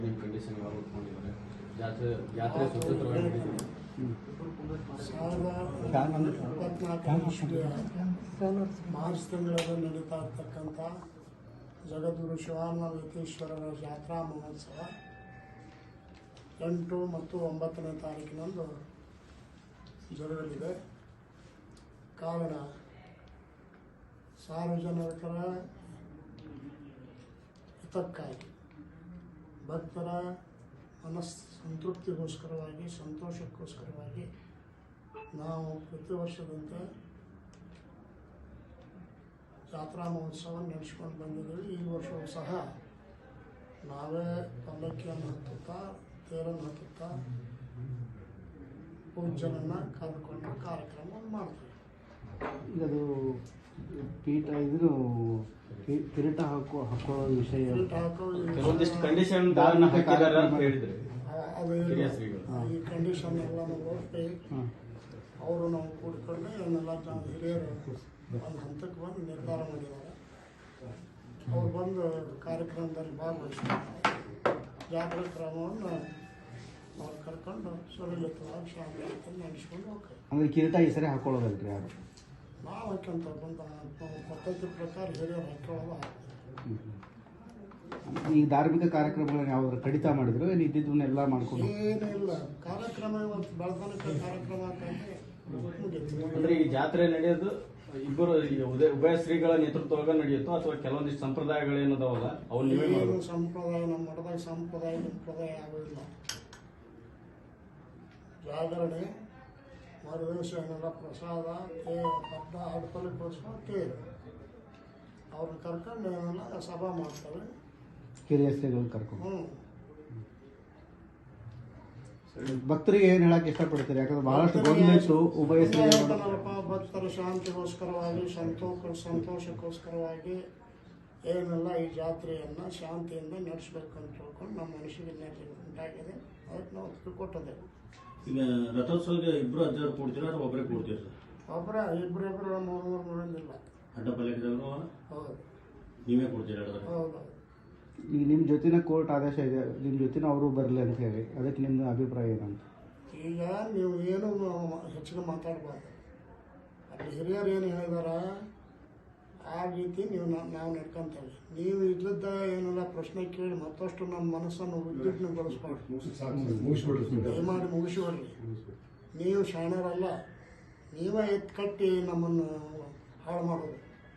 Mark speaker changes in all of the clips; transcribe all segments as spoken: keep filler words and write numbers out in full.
Speaker 1: Condition ಜಾತ್ರೆ ಜಾತ್ರೆ ಸುಸೂತ್ರವಾಗಿ
Speaker 2: ಮಾರ್ಚ್ ತಿಂಗಳಲ್ಲಿ ನಡೀತಾ ಇರ್ತಕ್ಕಂಥ ಜಗದ್ಗುರು ಶಿವಾನಂದೇಶ್ವರರ ಜಾತ್ರಾ ಮಹೋತ್ಸವ ಎಂಟು ಮತ್ತು ಒಂಬತ್ತನೇ ತಾರೀಕಿನಂದು ಜರುಗಲಿದೆ. ಕಾರಣ ಸಾರ್ವಜನಿಕರ ಹಿತಕ್ಕಾಗಿ ಭಕ್ತರ ಮನಸ್ ಸಂತೃಪ್ತಿಗೋಸ್ಕರವಾಗಿ ಸಂತೋಷಕ್ಕೋಸ್ಕರವಾಗಿ ನಾವು ಪ್ರತಿ ವರ್ಷದಂತೆ ಜಾತ್ರಾ ಮಹೋತ್ಸವ ನಡೆಸ್ಕೊಂಡು ಬಂದಿದ್ದೀವಿ. ಈ ವರ್ಷವೂ ಸಹ ನಾವೇ ಪಲ್ಲಕ್ಕಿಯನ್ನು ಹತ್ತುತ್ತಾ ತೇರನ್ನು ಹತ್ತುತ್ತಾ ಪೂಜೆಯನ್ನು ಕರೆದುಕೊಂಡು ಕಾರ್ಯಕ್ರಮವನ್ನು ಮಾಡ್ತೀವಿ.
Speaker 3: ಈಗ ಅದು ಪೀಠ ಇದು ಕಿರೀಟ ಹಾಕೋ ಹಾಕೊಳ್ಳೋ ವಿಷಯ
Speaker 1: ಕೆಲವೊಂದಿಷ್ಟು ಕಂಡೀಷನ್ ಹಾಕಿದ್ದಾರೆ ಅಂತ ಹೇಳಿದ್ರೆ
Speaker 2: ಅದು ಈ ಕಂಡೀಷನ್ ಎಲ್ಲ ನೋಡಿ ಅವರು ನಾವು ಕೂಡಿಕೊಂಡು ಇವನ್ನೆಲ್ಲ ಹಿರಿಯರು ಒಂದು ಹಂತಕ್ಕೆ ಬಂದು ನಿರ್ಧಾರ ಮಾಡಿದ್ದಾರೆ. ಅವ್ರು ಬಂದು ಕಾರ್ಯಕ್ರಮದಲ್ಲಿ ಭಾಗವಹಿಸಿ ಜಾತ್ರೆ ಕ್ರಮವನ್ನು ಅವ್ರು ಕರ್ಕೊಂಡು ಸುಲಲಿತವಾಗಿ ಶಾಂತಿ ನಡೆಸ್ಕೊಂಡು ಹೋಗ್ತಾರೆ.
Speaker 3: ಅಂದರೆ ಕಿರೀಟ ಈ ಸರಿ ಹಾಕೊಳ್ಳೋದಲ್ರಿ ಯಾರು
Speaker 2: ನಾವು ಹಾಕ್ಯಂತ ಬಂದ ಪದ್ಧತಿ ಪ್ರಕಾರ ಹಿರಿಯರು ಹಾಕೊಳ್ಳೋದು ಹಾಕ್ತಾರೆ.
Speaker 3: ಈ ಧಾರ್ಮಿಕ ಕಾರ್ಯಕ್ರಮಗಳನ್ನ ಯಾವ್ದಾದ್ರು ಕಡಿತ ಮಾಡಿದ್ರು ಏನು ಇದ್ದಿದ್ದನ್ನೆಲ್ಲ ಮಾಡ್ಕೊಂಡು
Speaker 2: ಏನಿಲ್ಲ ಕಾರ್ಯಕ್ರಮ ಇವತ್ತು ಬೆಳತನಕ ಕಾರ್ಯಕ್ರಮ ಅಂತಂದ್ರೆ
Speaker 1: ಅಂದ್ರೆ ಈ ಜಾತ್ರೆ ನಡೆಯೋದು ಇಬ್ಬರು ಉದಯ ಉಭಯ ಶ್ರೀಗಳ ನೇತೃತ್ವದಾಗ ನಡೆಯುತ್ತೋ ಅಥವಾ ಕೆಲವೊಂದಿಷ್ಟು ಸಂಪ್ರದಾಯಗಳೇನದಾವಲ್ಲ ಅವ್ರು ನೀವೇ
Speaker 2: ಏನು ಸಂಪ್ರದಾಯ ನಮ್ಮ ಮಠದಾಗ ಸಂಪ್ರದಾಯ ಸಂಪ್ರದಾಯ ಆಗೋದಿಲ್ಲ. ಜಾಗರಣೆ ಮರುದಿವಸ ಏನೆಲ್ಲ ಪ್ರಸಾದ ತೇ ಹಬ್ಬ ಹಡ್ಪಲಿಕ್ಕೋಸ್ಕರ ತೇರು ಅವ್ರನ್ನ ಕರ್ಕೊಂಡು ಏನೆಲ್ಲ ಸಭಾ ಮಾಡ್ತಾರೆ.
Speaker 3: ಕಿರಿಯ ಶ್ರೀಗಳು ಕರ್ಕೊಂಡು
Speaker 2: ಹ್ಞೂ
Speaker 3: ಭಕ್ತರಿಗೆ ಏನು ಹೇಳಕ್ಕೆ ಇಷ್ಟಪಡ್ತೀರಿ? ಯಾಕಂದ್ರೆ ಬಹಳಷ್ಟು ಗೊಂದಲಿತ್ತು ಉಭಯ ಶ್ರೀಗಳು
Speaker 2: ಭಕ್ತರ ಶಾಂತಿಗೋಸ್ಕರವಾಗಿ ಸಂತೋಷ ಸಂತೋಷಕ್ಕೋಸ್ಕರವಾಗಿ ಏನೆಲ್ಲ ಈ ಜಾತ್ರೆಯನ್ನು ಶಾಂತಿಯಿಂದ ನಡೆಸಬೇಕು ಅಂತ ತಿಳ್ಕೊಂಡು ನಮ್ಮ ಮನಸ್ಸಿಗೆ ಉಂಟಾಗಿದೆ. ಅದಕ್ಕೆ ನಾವು ಒಪ್ಪಿಗೆ ಕೊಟ್ಟಿದ್ದೇವೆ.
Speaker 4: ಈಗ ರಥೋತ್ಸವಕ್ಕೆ ಇಬ್ಬರು ಅಜ್ಜರು ಕೊಡ್ತೀರಾ ಅಥವಾ ಒಬ್ಬರೇ ಕೊಡ್ತೀರಾ ಸರ್?
Speaker 2: ಒಬ್ಬರ ಇಬ್ಬರು ಇಬ್ಬರು ಮೂರು ಮೂರು ಮೂರಿಂದಿಲ್ಲ.
Speaker 4: ಅಡ್ಡ ಪಲ್ಲಕ್ಕಿದವರು
Speaker 2: ಹೌದು
Speaker 4: ನೀವೇ ಕೊಡ್ತೀರಾ?
Speaker 2: ಹೌದು.
Speaker 3: ಈಗ ನಿಮ್ಮ ಜೊತೆನ ಕೋರ್ಟ್ ಆದೇಶ ಇದೆ, ನಿಮ್ಮ ಜೊತೆನ ಅವರು ಬರಲಿ ಅಂತ ಹೇಳಿ, ಅದಕ್ಕೆ ನಿಮ್ಮ ಅಭಿಪ್ರಾಯ ಏನಂತ?
Speaker 2: ಈಗ ನೀವು ಏನು ಹೆಚ್ಚಿಗೆ ಮಾತಾಡಬಾರ್ದು. ಅಲ್ಲಿ ಹಿರಿಯರು ಏನು ಹೇಳಿದಾರ ಆ ರೀತಿ ನೀವು ನಾವು ನಡ್ಕೊಂತೇವೆ. ನೀವು ಇಲ್ಲದ ಏನೆಲ್ಲ ಪ್ರಶ್ನೆ ಕೇಳಿ ಮತ್ತಷ್ಟು ನಮ್ಮ ಮನಸ್ಸನ್ನು ಉದ್ವಿಗ್ನಗೊಳಿಸ್ಬಾರ್ದು. ದಯಮಾಡಿ ಮುಗಿಸಿಬಿಡ್ರಿ. ನೀವು ಶಾಣರಲ್ಲ, ನೀವೇ ಎತ್ತು ಕಟ್ಟಿ ನಮ್ಮನ್ನು ಹಾಳು ಮಾಡೋದು.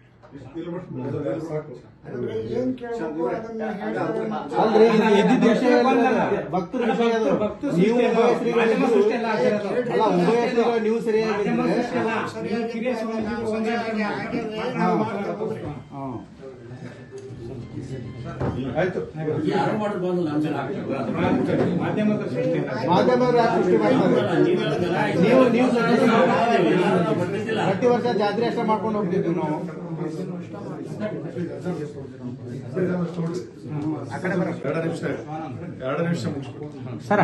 Speaker 2: ಅಂದ್ರೆ ಏನ್ ಕೇಳಬೇಕು ಅದನ್ನ
Speaker 3: ಅಲ್ರಿ, ಇದ್ದಿದ್ದ ವಿಷಯ ಭಕ್ತರ ವಿಷಯ ಅದು. ನೀವು ಉಭಯ ಶ್ರೀಗಳು ಅಲ್ಲ, ಉಭಯ ಶ್ರೀಗಳು ನೀವು ಸರಿಯಾಗಿ ಮಾಧ್ಯಮದವರು ಯಾಕೆ ಸೃಷ್ಟಿ ಮಾಡ್ತಾರೆ? ನೀವು ನೀವು ಪ್ರತಿ ವರ್ಷ ಜಾತ್ರೆ ಅಷ್ಟೇ ಮಾಡ್ಕೊಂಡು ಹೋಗ್ತಿದ್ವಿ ನಾವು.
Speaker 5: ಎರಡು ನಿಮಿಷ ಎರಡು ನಿಮಿಷ
Speaker 3: ಸರ್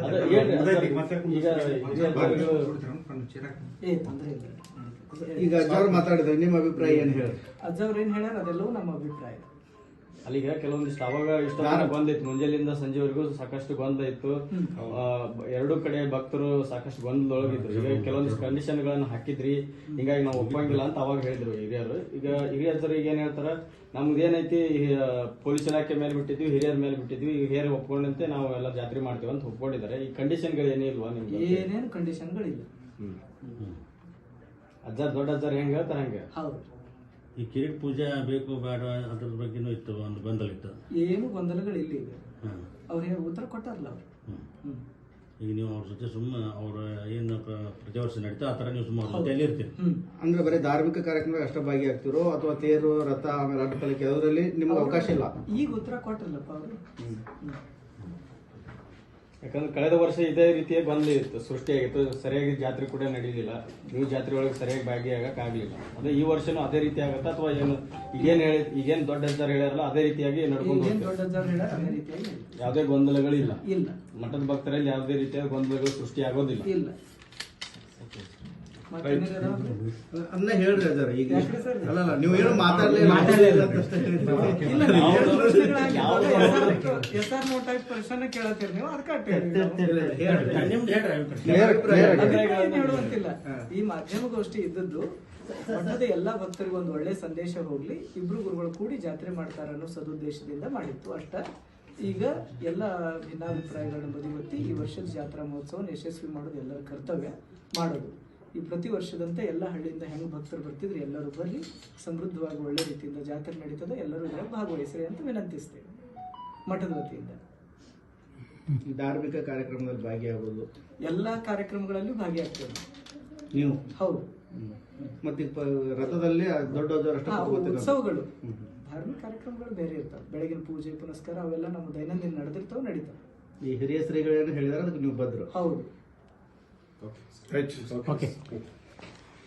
Speaker 3: ಈಗ ಅಜ್ಜವ್ರು ಮಾತಾಡಿದ್ರೆ ನಿಮ್ಮ ಅಭಿಪ್ರಾಯ ಏನು ಹೇಳಿ?
Speaker 6: ಅಜ್ಜವ್ರು ಏನ್ ಹೇಳ್ಯಾರ ಅದೆಲ್ಲವೂ ನಮ್ಮ ಅಭಿಪ್ರಾಯ.
Speaker 1: ಅಲ್ಲಿಗ ಕೆಲವೊಂದಿಷ್ಟು ಅವಾಗ ಇಷ್ಟ ಗೊಂದಿತ್ತು, ಮುಂಜಾನೆಯಿಂದ ಸಂಜೆವರೆಗೂ ಸಾಕಷ್ಟು ಗೊಂದ ಇತ್ತು. ಎರಡೂ ಕಡೆ ಭಕ್ತರು ಸಾಕಷ್ಟು ಗೊಂದಲೊಳಗಿದ್ರು. ಈಗ ಕೆಲವೊಂದಿಷ್ಟು ಕಂಡೀಷನ್ ಗಳನ್ನ ಹಾಕಿದ್ರಿ, ಹಿಂಗಾಗಿ ನಾವು ಒಪ್ಪಂಗಿಲ್ಲ ಅಂತ ಅವಾಗ ಹೇಳಿದ್ರು ಹಿರಿಯರು. ಈಗ ಹಿರಿಯರು ಈಗ ಏನ್ ಹೇಳ್ತಾರ, ನಮ್ದೇನೈತಿ ಪೊಲೀಸ್ ಇಲಾಖೆ ಮೇಲೆ ಬಿಟ್ಟಿದ್ವಿ, ಹಿರಿಯರ ಮೇಲೆ ಬಿಟ್ಟಿದ್ವಿ, ಈಗ ಹಿರಿಯರು ಒಪ್ಕೊಂಡಂತೆ ನಾವು ಎಲ್ಲ ಜಾತ್ರೆ ಮಾಡ್ತೀವಿ ಅಂತ ಒಪ್ಕೊಂಡಿದ್ದಾರೆ. ಈ ಕಂಡೀಷನ್ ಗಳು ಏನೇ ಇಲ್ವಾ ನಿಮ್ಗೆ?
Speaker 6: ಏನೇನು ಕಂಡೀಷನ್ ಗಳಿಲ್ಲ.
Speaker 1: ಅಜ್ಜ ದೊಡ್ಡ ಅಜ್ಜಾರ್ ಹೆಂಗ್ ಹೇಳ್ತಾರ ಹಂಗೆ.
Speaker 6: ಹೌದು.
Speaker 4: ಈ ಕಿರೀಟ್ ಪೂಜೆ ಬೇಕು ಬೇಡ ಅದ್ರ ಬಗ್ಗೆನೂ ಇತ್ತು, ಒಂದು ಗೊಂದಲ ಇತ್ತು.
Speaker 6: ಏನು ಗೊಂದಲಗಳಿಲ್ಲ. ಈಗ ಅವ್ರು ಉತ್ತರ ಕೊಟ್ಟಾರಲ್ಲ ಅವ್ರು.
Speaker 4: ಈಗ ನೀವು ಅವ್ರ ಜೊತೆ ಸುಮ್ಮನೆ ಅವ್ರ ಏನು ಪ್ರತಿ ವರ್ಷ ನಡೀತಾ ಆ ಥರ ನೀವು ಸುಮ್ಮನೆ ಅವ್ರ ಜೊತೆಯಲ್ಲಿ ಇರ್ತೀರಿ.
Speaker 3: ಅಂದ್ರೆ ಬರೀ ಧಾರ್ಮಿಕ ಕಾರ್ಯಕ್ರಮ ಅಷ್ಟೇ ಭಾಗಿಯಾಗ್ತಿರೋ ಅಥವಾ ತೇರು ರಥ ಆಮೇಲೆ ಅಡ್ಡ ಪಲ್ಲಕ್ಕಿ ಅದರಲ್ಲಿ ನಿಮ್ಗೆ ಅವಕಾಶ ಇಲ್ಲ?
Speaker 6: ಈಗ ಉತ್ತರ ಕೊಟ್ರಲ್ಲಪ್ಪ ಅವರು.
Speaker 1: ಯಾಕಂದ್ರೆ ಕಳೆದ ವರ್ಷ ಇದೇ ರೀತಿಯ ಗೊಂದಲ ಇತ್ತು, ಸೃಷ್ಟಿಯಾಗಿತ್ತು. ಸರಿಯಾಗಿ ಜಾತ್ರೆ ಕೂಡ ನಡೀಲಿಲ್ಲ, ನೀವು ಜಾತ್ರೆ ಒಳಗೆ ಸರಿಯಾಗಿ ಭಾಗಿಯಾಗಕ್ ಆಗ್ಲಿಲ್ಲ. ಅದೇ ಈ ವರ್ಷನೂ ಅದೇ ರೀತಿ ಆಗತ್ತಾ ಅಥವಾ ಏನು ಈಗೇನ್ ಹೇಳಿ ಈಗೇನ್ ದೊಡ್ಡ ಅಜ್ಜಾರ ಹೇಳ್ಯಾರಲ್ಲ ಅದೇ ರೀತಿಯಾಗಿ ನಡ್ಕೊಂಡು ಯಾವುದೇ ಗೊಂದಲಗಳಿಲ್ಲ?
Speaker 6: ಇಲ್ಲ.
Speaker 1: ಮಠದ ಭಕ್ತರಲ್ಲಿ ಯಾವುದೇ ರೀತಿಯ ಗೊಂದಲಗಳು ಸೃಷ್ಟಿ ಆಗೋದಿಲ್ಲ?
Speaker 6: ಇಲ್ಲ. ಮತ್ತೇನಿದೆ ಅದಾವಲ್ರಿ?
Speaker 3: ಅದನ್ನ ಹೇಳ್ರಿ ಅಜಾರ ಈಗ
Speaker 6: ಯಾಕ್ರಿ ಸರ್?
Speaker 3: ಅಲ್ಲಲ್ಲ ನೀವು ಏನು ಮಾತಾಡ್ಲಿಲ್ಲ ಮಾತಾಡಲಿಲ್ಲ ಅಂತ ಅಷ್ಟೇ ಹೇಳಿದ್ರಿ.
Speaker 6: ಇಲ್ಲ, ನೀವು ಎರಡು ಪ್ರಶ್ನೆಗಳಾಗಿದ್ದಾವೆ. ಎಸ್ ಆರ್ ನೋ ಟೈಪ್ ಪ್ರಶ್ನೆ ಕೇಳತ್ತೀರಿ ನೀವು, ಅದಕ್ಕೆ ಅಷ್ಟೇ ಹೇಳಿದ್ದು ನಾವು.
Speaker 3: ಹೇಳ್ರಿ.
Speaker 4: ನಿಮ್ದು ಹೇಳ್ರಿ ಅಭಿಪ್ರಾಯ.
Speaker 3: Clear- clear ಆಗಿ.
Speaker 6: ಅಭಿಪ್ರಾಯ ಏನ್ ಹೇಳುವಂತಿಲ್ಲ. ಈ ಮಾಧ್ಯಮಗೋಷ್ಠಿ ಇದ್ದದ್ದು ಮಠದ ಎಲ್ಲಾ ಭಕ್ತರಿಗೆ ಒಂದು ಒಳ್ಳೆ ಸಂದೇಶ ಹೋಗ್ಲಿ, ಇಬ್ರು ಗುರುಗಳು ಕೂಡಿ ಜಾತ್ರೆ ಮಾಡ್ತಾರ ಅನ್ನೋ ಸದುದ್ದೇಶದಿಂದ ಮಾಡಿತ್ತು ಅಷ್ಟ. ಈಗ ಎಲ್ಲ ಭಿನ್ನಾಭಿಪ್ರಾಯಗಳನ್ನು ಬದಿಗೊತ್ತಿ ಈ ವರ್ಷದ ಜಾತ್ರಾ ಮಹೋತ್ಸವವನ್ನು ಯಶಸ್ವಿ ಮಾಡೋದು ಎಲ್ಲರ ಕರ್ತವ್ಯ ಮಾಡೋದು. ಈ ಪ್ರತಿ ವರ್ಷದಂತೆ ಎಲ್ಲ ಹಳ್ಳಿಯಿಂದ ಹೆಂಗ್ ಭಕ್ತರು ಬರ್ತಿದ್ರು ಎಲ್ಲರೂ ಬರ್ರಿ, ಸಮೃದ್ಧವಾಗಿ ಒಳ್ಳೆ ರೀತಿಯಿಂದ ಜಾತ್ರೆ ನಡೀತದೆ, ಎಲ್ಲರೂ ಇದರ ಭಾಗವಹಿಸ್ರಿ ಅಂತ ವಿನಂತಿಸ್ತೇವೆ ಮಠದ ವತಿಯಿಂದ.
Speaker 3: ಧಾರ್ಮಿಕ ಕಾರ್ಯಕ್ರಮದಲ್ಲಿ ಭಾಗಿಯಾಗೋದು
Speaker 6: ಎಲ್ಲಾ ಕಾರ್ಯಕ್ರಮಗಳಲ್ಲಿ ಭಾಗಿಯಾಗ್ತೇವೆ
Speaker 3: ನೀವು.
Speaker 6: ಹೌದು.
Speaker 3: ಮತ್ತೆ ರಥದಲ್ಲಿ ದೊಡ್ಡ
Speaker 6: ಹಾ, ಉತ್ಸವಗಳು ಧಾರ್ಮಿಕ ಕಾರ್ಯಕ್ರಮಗಳು ಬೇರೆ ಇರ್ತಾವೆ. ಬೆಳಗಿನ ಪೂಜೆ ಪುನಸ್ಕಾರ ಅವೆಲ್ಲ ನಮ್ಮ ದೈನಂದಿನ ನಡೆದಿರ್ತಾವೆ, ನಡೀತಾವೆ.
Speaker 3: ಈ ಹಿರಿಯ ಶ್ರೀಗಳೇನು ಹೇಳಿದಾರೆ ಅದಕ್ಕೆ ನೀವು ಬದ್ರು.
Speaker 6: ಹೌದು.
Speaker 5: ರೈಟ್.
Speaker 3: ಓಕೆ